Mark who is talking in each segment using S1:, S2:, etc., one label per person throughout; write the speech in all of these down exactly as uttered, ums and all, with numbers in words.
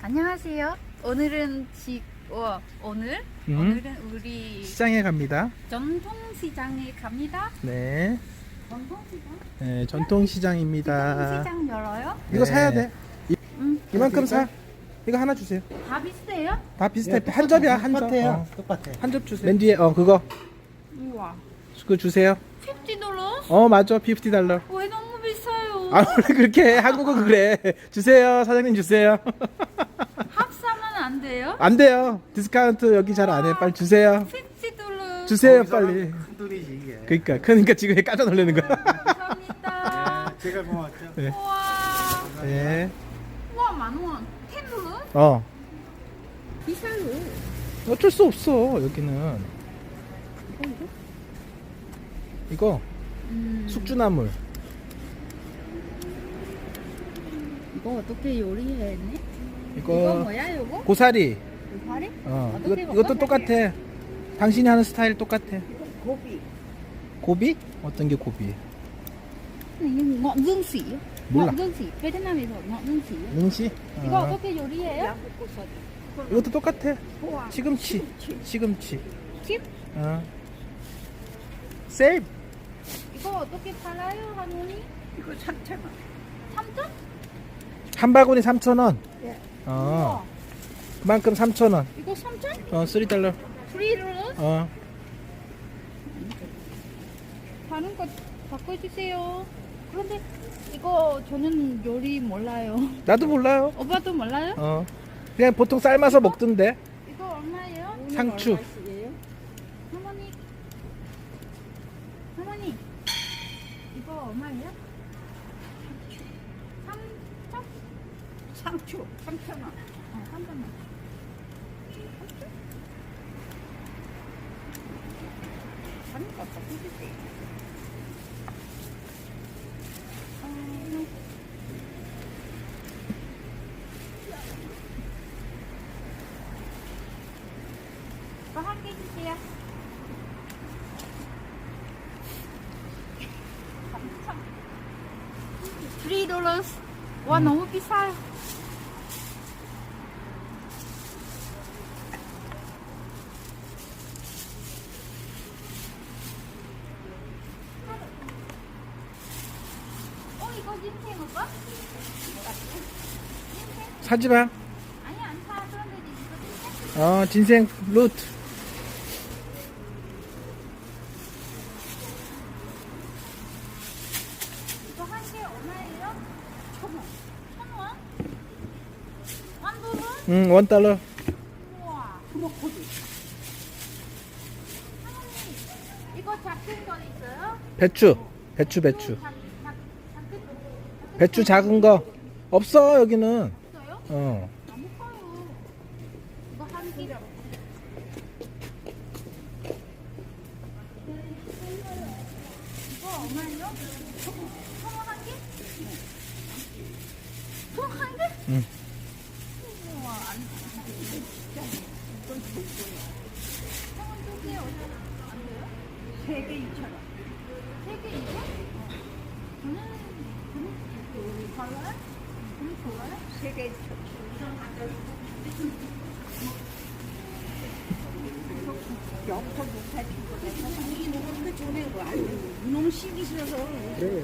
S1: 안녕하세요. 오늘은 지, 어, 오늘
S2: 음.
S1: 오늘은 우리
S2: 시장에 갑니다.
S1: 전통시장에 갑니다.
S2: 네,
S1: 전통시장?
S2: 네 전통시장입니다.
S1: 시장 열어요?
S2: 이거
S3: 네.
S2: 사야 돼. 이,
S1: 응.
S2: 이만큼 사. 이거 하나 주세요.
S1: 다 비슷해요?
S2: 다 비슷해. 한 접이야, 한 접.
S3: 똑같아요.
S2: 어.
S3: 똑같아.
S2: 한 접 주세요. 맨 뒤에 어 그거
S1: 우와.
S2: 그거 주세요.
S1: 오십 달러?
S2: 어 맞아, 오십 달러.
S1: 왜 너무 비싸요?
S2: 아 원래 그렇게 해. 한국은 그래. 주세요, 사장님 주세요.
S1: 합사면 안 돼요?
S2: 안 돼요. 디스카운트 여기 잘 안 해. 빨리 주세요.
S1: 오십 달러.
S2: 주세요, 빨리.
S3: 큰 돈이지 이게.
S2: 그러니까 그러니까 지금 깜짝 놀라는 거야.
S1: 감사합니다.
S3: 네, 제가 고맙죠.
S2: 네.
S1: 우와.
S2: 네.
S1: 우와, 만원. 십 달러?
S2: 어.
S1: 비싸요.
S2: 어쩔 수 없어 여기는. 이거
S1: 음.
S2: 숙주나물.
S1: 이거 어떻게 요리했네? 이거
S2: 이거
S1: 뭐야, 이거?
S2: 고사리.
S1: 파리?
S2: 어,
S1: 어떻게
S2: 이거,
S1: 먹어?
S2: 이것도 똑같아. 당신이 하는 스타일 똑같아.
S1: 고비.
S2: 고비? 어떤 게 고비?
S1: ngọn dương sỉ.
S2: 몰라.
S1: ngọn dương sỉ. 베트남에서 ngọn dương sỉ.
S2: 능시?
S1: 이거
S2: 어.
S1: 어떻게 요리해요?
S2: 이것도 똑같아. 시금치. 시금치.
S1: 칩?
S2: 어. 세일.
S1: 이거 어떻게 팔아요, 할머니? 이거 삼천 원. 삼천?
S2: 한 바구니 삼천 원.
S1: 예.
S2: 어. 그만큼 삼천 원.
S1: 이거 삼천?
S2: 어, 삼 달러.
S1: 프리로?
S2: 어.
S1: 다른 거 바꿔주세요. 그런데 이거 저는 요리 몰라요.
S2: 나도 몰라요.
S1: 오빠도 몰라요?
S2: 어. 그냥 보통 삶아서 먹던데.
S1: 이거 얼마예요?
S2: 상추.
S1: 할머니. 할머니. 이거 얼마예요? 삼천? 상추. 삼천 원. 어, 삼천 원. 상추? 다른 거 바꿔주세요. 어, 이거 한 개 주세요. 삼 달러. 와,
S2: 음.
S1: 너무 비싸요. 어, 이거 인생 오빠?
S2: 사지 마.
S1: 아니, 안 사. 그런데 이거 인생?
S2: 어, 진생 루트.
S1: 이거 한 개 얼마예요? 천 원. 천 원? 한 달러?
S2: 응, 원 달러.
S1: 우와. 브로콜리. 할머니, 이거 작은 거 있어요?
S2: 배추. 배추, 배추.
S1: 작, 작, 작은,
S2: 배추 작은 거. 없어, 여기는.
S1: 있어요?
S2: 어.
S1: 너무 커요. 이거 한 개. 이거 얼마예요? 통한 개? 통한 개?
S2: 응.
S1: 우와, 안 돼. 통한 두개 안 돼요? 세 개 이천 원. 세 개 이천? 저는 그럼 달라요? 그럼 좋아요? 세 개 이천 원. 이놈 시기 싫어서
S2: 그래.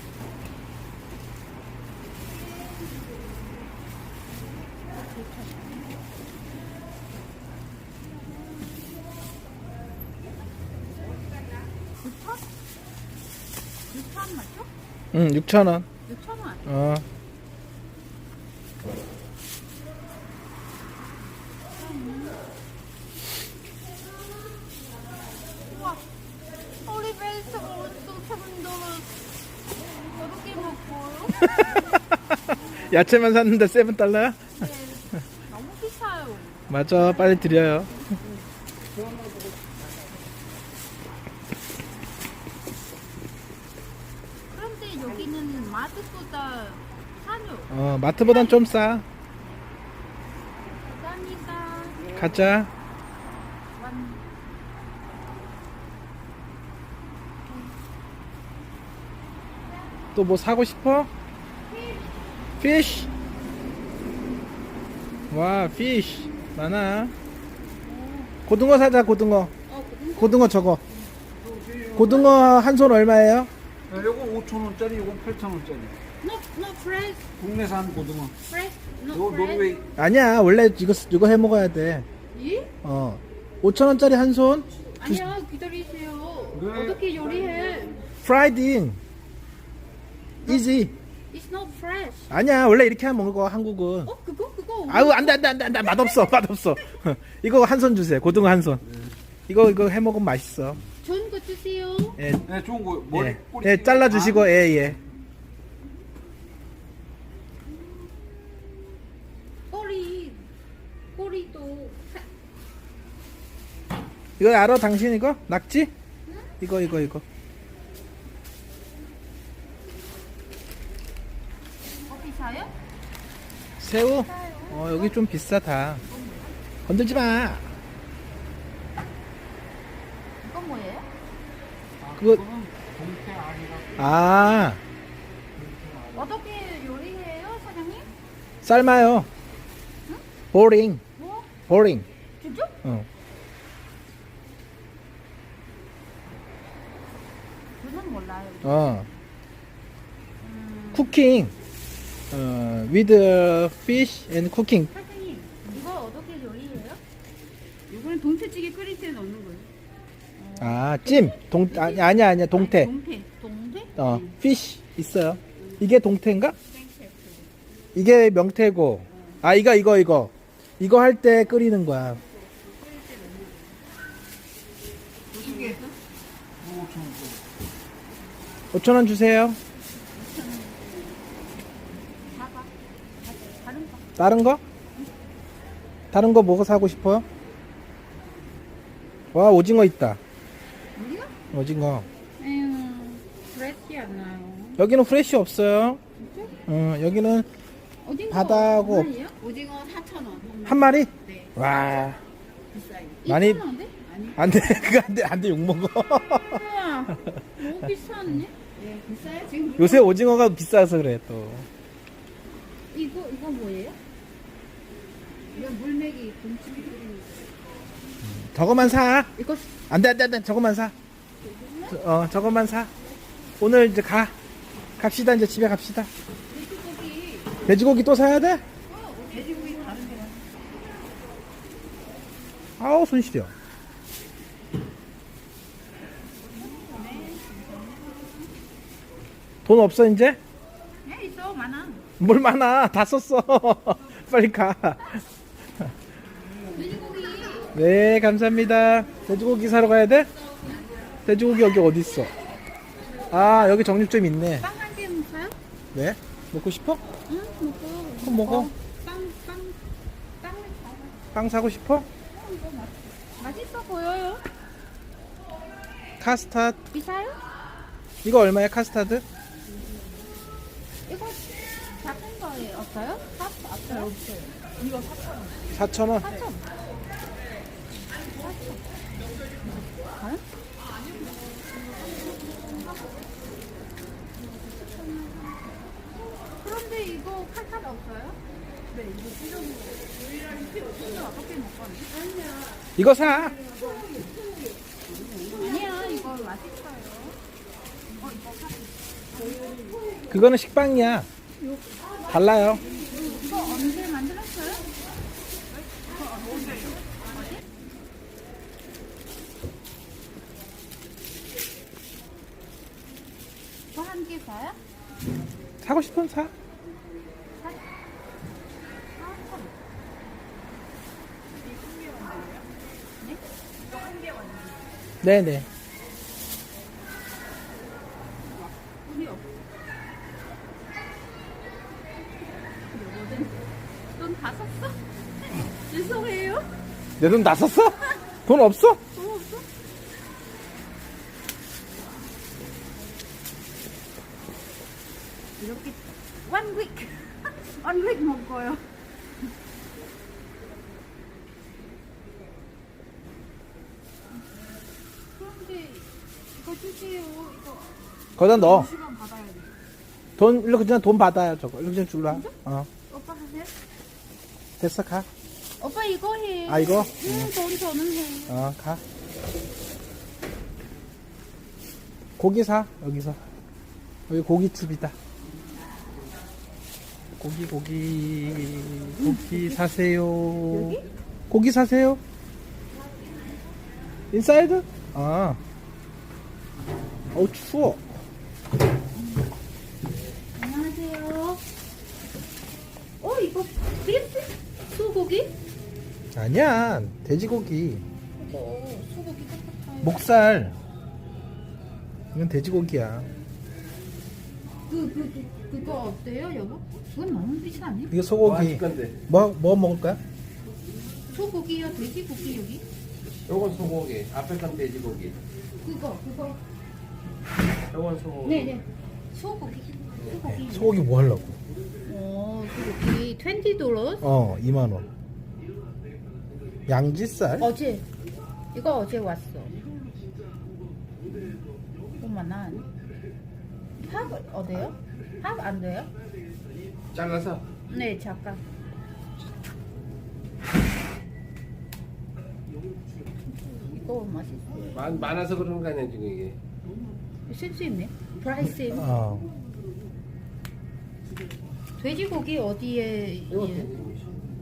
S1: 육천? 육천 맞죠?
S2: 응, 육천 원.
S1: 육천 원.
S2: 어.
S1: 우와, 올리브에서 오른쪽 세븐 달러. 어떻게 먹어요?
S2: 야채만 샀는데 세븐 달러야?
S1: 네, 너무 비싸요.
S2: 맞아, 빨리 드려요.
S1: 그런데 여기는 마트보다 싸요.
S2: 어, 마트보단 좀 싸.
S1: 감사합니다.
S2: 가자.
S1: 완.
S2: 또 뭐 사고 싶어? 피쉬. 와, 피쉬 많아. 고등어 사자, 고등어.
S1: 어, 고등어?
S2: 고등어 저거. 고등어 한 손 얼마예요?
S3: 야, 요거 오천 원짜리, 요거 팔천 원짜리.
S1: No, no fresh.
S3: 국내산 고등어.
S1: fresh. No
S3: 요거
S1: fresh.
S3: 노르웨이.
S2: 아니야, 원래 이거 이거 해 먹어야 돼.
S1: 이?
S2: 어, 오천 원짜리 한 손.
S1: 아니야, 기다리세요.
S3: 네.
S1: 어떻게 요리해?
S2: Fried in. Easy.
S1: It's not fresh.
S2: 아니야, 원래 이렇게 하면 먹어 한국은.
S1: 어, 그거 그거.
S2: 아우 안돼 안돼 안돼 안돼 맛없어 맛없어. 이거 한 손 주세요. 고등어 한 손. 이거 이거 해 먹으면 맛있어.
S1: 좋은 거 주세요.
S2: 예,
S3: 네, 좋은 거. 머리,
S2: 예,
S3: 꼬리
S2: 예
S3: 찌개.
S2: 잘라 주시고 예 예.
S1: 꼬리 꼬리도
S2: 이거 알아 당신 이거 낙지? 이거 이거 이거.
S1: 어디 사요?
S2: 새우? 어 여기 좀 비싸다. 건들지 마.
S1: 이건 뭐예요?
S3: 아,
S2: 그거-
S3: 그거는 동태 아니라.
S2: 아
S1: 어떻게 요리해요, 사장님?
S2: 삶아요. 보링
S1: 뭐?
S2: 보링.
S1: 진짜?
S2: 어.
S1: 저는 몰라요.
S2: 어.
S1: 음,
S2: 쿠킹. 어 with fish and cooking.
S1: 사장님, 이거 어떻게 요리해요? 이거는 동태찌개 끓일 때 넣는 거예요.
S2: 아 찜. 동 아니 아니야 아니야 동태.
S1: 동태. 동태?
S2: 어 fish 있어요. 이게 동태인가? 이게 명태고. 아 이거 이거 이거. 이거 할 때 끓이는 거야.
S3: 찌개. 요거 오천 원짜리.
S2: 오천 원 주세요.
S1: 사과. 다른 거.
S2: 다른 거? 다른 거 뭐가 사고 싶어요? 와 오징어 있다.
S1: 우리가?
S2: 오징어.
S1: 에휴, 프레시 안 나요.
S2: 여기는 프레쉬 없어요.
S1: 진짜?
S2: 어 여기는
S1: 오징어
S2: 바다하고-
S1: 얼마예요? 오징어 사천 원.
S2: 한 마리?
S1: 네.
S2: 와
S1: 비싸요.
S2: 많이-
S1: 이천 원인데? 아니.
S2: 안돼 그거 안돼 안돼 욕 먹어.
S1: 우와, 너무 비싸네. 네, 비싸요 지금.
S2: 요새 오징어가 비싸서 그래 또.
S1: 이거 이거 뭐예요? 이건 물메기 김치찌개 끓이는 거.
S2: 저거만 사.
S1: 이거
S2: 안돼 안돼 안돼 저거만 사. 저- 어 저거만 사. 오늘 이제 가. 갑시다 이제 집에 갑시다.
S1: 돼지고기.
S2: 돼지고기 또 사야 돼?
S1: 어, 돼지고기 다른 데 가서.
S2: 아우 손 시려. 돈 없어 이제?
S1: 네 있어 많아.
S2: 뭘 많아 다 썼어. 빨리 가.
S1: 돼지고기.
S2: 네 감사합니다. 돼지고기 사러 가야 돼? 돼지고기 여기 어디 있어? 아 여기 정육점 있네.
S1: 빵 한 개 먹어요?
S2: 네? 먹고 싶어?
S1: 응 먹어.
S2: 그럼 먹어.
S1: 빵 빵. 빵을 사와.
S2: 빵 사고 싶어?
S1: 어, 이거 맛 맛있어 보여요.
S2: 카스타드
S1: 비싸요?
S2: 이거 얼마야 카스타드?
S1: 이거 작은 거에 없어요? 사 없어요? 없어요. 이거 사천 원.
S2: 사천 원.
S1: 사천. 과연? 그런데 이거 칼칼 없어요? 네, 이거 필요한 거. 근데 어떻게 먹거니?
S2: 이거 사.
S1: 아니야, 이거 맛있어요. 어, 이거 사.
S2: 그거는 식빵이야. 달라요.
S1: 이거 언제 만들었어요? 이거 한 개 사요?
S2: 사고 싶으면 사. 네네.
S1: 우리 없어. 돈다 썼어? 죄송해요.
S2: 내 돈 다 썼어? 돈 없어?
S1: 돈 없어? 이렇게 one week, one week 먹어요. 그런데 이거 주세요. 이거
S2: 거기다 넣어.
S1: 시간 받아야 돼.
S2: 돈, 일로 그냥 돈 받아요, 저거. 일로 그냥 줄라. 어.
S1: 오빠 하세요?
S2: 됐어, 가.
S1: 오빠 이거 해.
S2: 아, 이거?
S1: 응, 돈 저는 해.
S2: 어, 가. 고기 사, 여기서. 여기 고깃집이다. 고기, 고기. 고기 사세요.
S1: 여기?
S2: 고기 사세요. 인사이드? 아. 어우, 추워.
S1: 안녕하세요. 어, 이거 비프? 소고기?
S2: 아니야, 돼지고기.
S1: 이거 소고기 같아요.
S2: 목살. 이건 돼지고기야.
S1: 그, 그, 그, 그거 어때요, 여보? 그건 너무 비싸네.
S2: 이게 소고기.
S3: 건데.
S2: 뭐, 뭐 먹을 거야?
S1: 소고기요, 돼지고기 여기?
S3: 요건 소고기. 앞에 건 돼지고기.
S1: 그거, 그거.
S3: 요건 소고기.
S1: 네네. 소고기. 소고기.
S2: 소고기 뭐 하려고?
S1: 어, 소고기 이십 달러?
S2: 어, 이만 원. 양지살?
S1: 어제. 이거 어제 왔어. 오만한. 합 어때요? 합 안 돼요?
S3: 잘라서.
S1: 네, 잠깐. 이거 맛있어요.
S3: 많, 많아서 그런 거 아니야, 지금 이게.
S1: 센스 있네. 프라이스.
S2: 어.
S1: 돼지고기 어디에
S3: 이거
S1: 예.
S3: 돼지고기.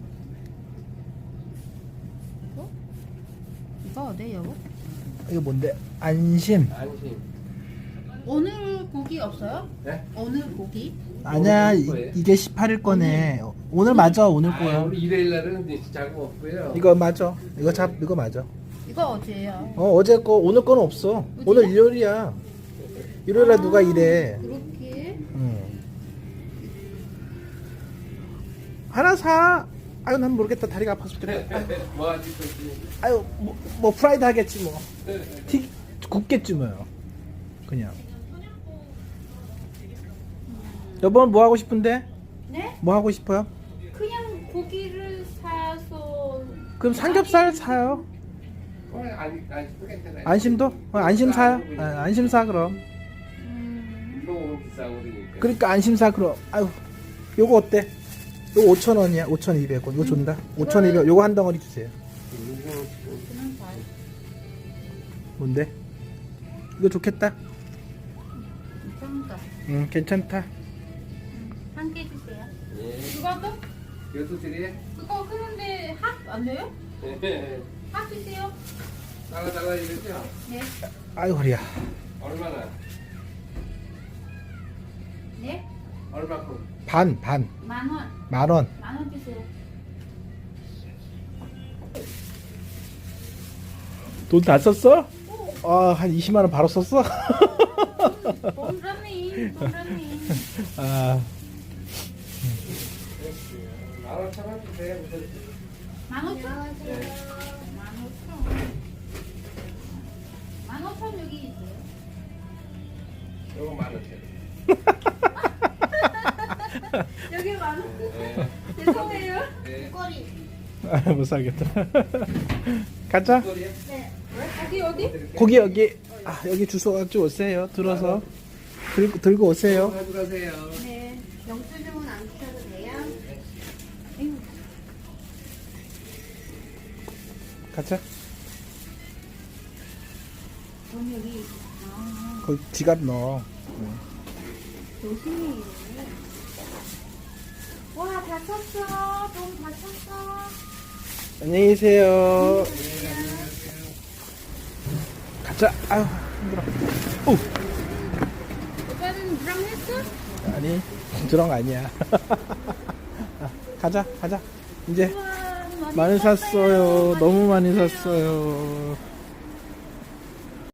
S1: 이거? 이거 어때요?
S2: 이거 뭔데? 안심.
S3: 안심.
S1: 오늘 고기 없어요?
S3: 네?
S1: 오늘 고기?
S2: 아니야,
S3: 오늘
S2: 이,
S3: 거예요?
S2: 이게 십팔 일 거네. 오늘 맞아, 오늘
S3: 아,
S2: 거야.
S3: 우리 일요일 날은 이제 자고 없고요.
S2: 이거 맞아. 이거 잡, 이거 맞아.
S1: 이거 어제요.
S2: 어, 어제 거, 오늘 거는 없어. 오늘 일요일이야. 일요일에 누가 일해.
S1: 그렇게?
S2: 응. 하나 사. 아유, 난 모르겠다. 다리가 아파서 그래.
S3: 뭐 하지, 그지?
S2: 아유, 뭐, 뭐 프라이드 하겠지 뭐. 튀, 굽겠지 뭐요. 그냥. 여보 뭐 하고 싶은데?
S1: 네?
S2: 뭐 하고 싶어요?
S1: 그냥 고기를 사서
S2: 그럼 삼겹살 사요.
S3: 어, 안, 안심도 괜찮아요.
S2: 안심도? 어, 안심 사요. 아, 안심 사 그럼.
S1: 음,
S3: 너무 비싸고 그러니까.
S2: 그러니까 안심 사 그럼. 아유, 요거 어때? 요거 오천 원이야. 오천이백 원. 이거 준다. 오천이백 원. 요거 한 덩어리 주세요.
S1: 그냥 잘.
S2: 뭔데? 이거 좋겠다.
S1: 괜찮다.
S2: 응, 괜찮다.
S1: 한 개 주세요.
S3: 예.
S1: 그것도?
S3: 이것도 드려요?
S1: 그거 그런데 합 안 돼요?
S3: 예.
S1: 합 주세요.
S3: 달라 달라 이러죠?
S1: 네.
S2: 아유, 허리야.
S3: 얼마나?
S1: 네.
S3: 얼마큼?
S2: 반, 반.
S1: 만 원.
S2: 만 원.
S1: 만 원 주세요.
S2: 돈 다 썼어? 아, 한 이십만 원 바로 썼어?
S1: 돈라니, 돈라니.
S2: 아,
S3: 만 오천 원 주세요.
S1: 만 오천?
S3: 네.
S1: 만 오천. 만 오천 여기 있어요.
S3: 요거 만 오천.
S1: 여기 만 원.
S3: 네.
S1: 죄송해요.
S3: 네.
S1: 꼬리.
S2: 아, 못 사겠다. 가자.
S3: 소리요?
S1: 네. 거기 어디?
S2: 거기 여기. 아, 여기 주소 가지고 오세요. 들어서 들고 들고 오세요.
S3: 가져가세요.
S1: 네. 영수증은 안 주셔도 돼요? 에휴.
S2: 가자.
S1: 돈 여기. 아,
S2: 거기 지갑 넣어.
S1: 조심히. 와, 다 쳤어. 돈 다 쳤어.
S2: 안녕히 계세요. 가자. 아유, 힘들어. 오,
S1: 오빠는 드럼 했어?
S2: 아니, 드렁 아니야. 아, 가자, 가자. 이제
S1: 우와,
S2: 많이 샀어요. 너무 많이 샀어요.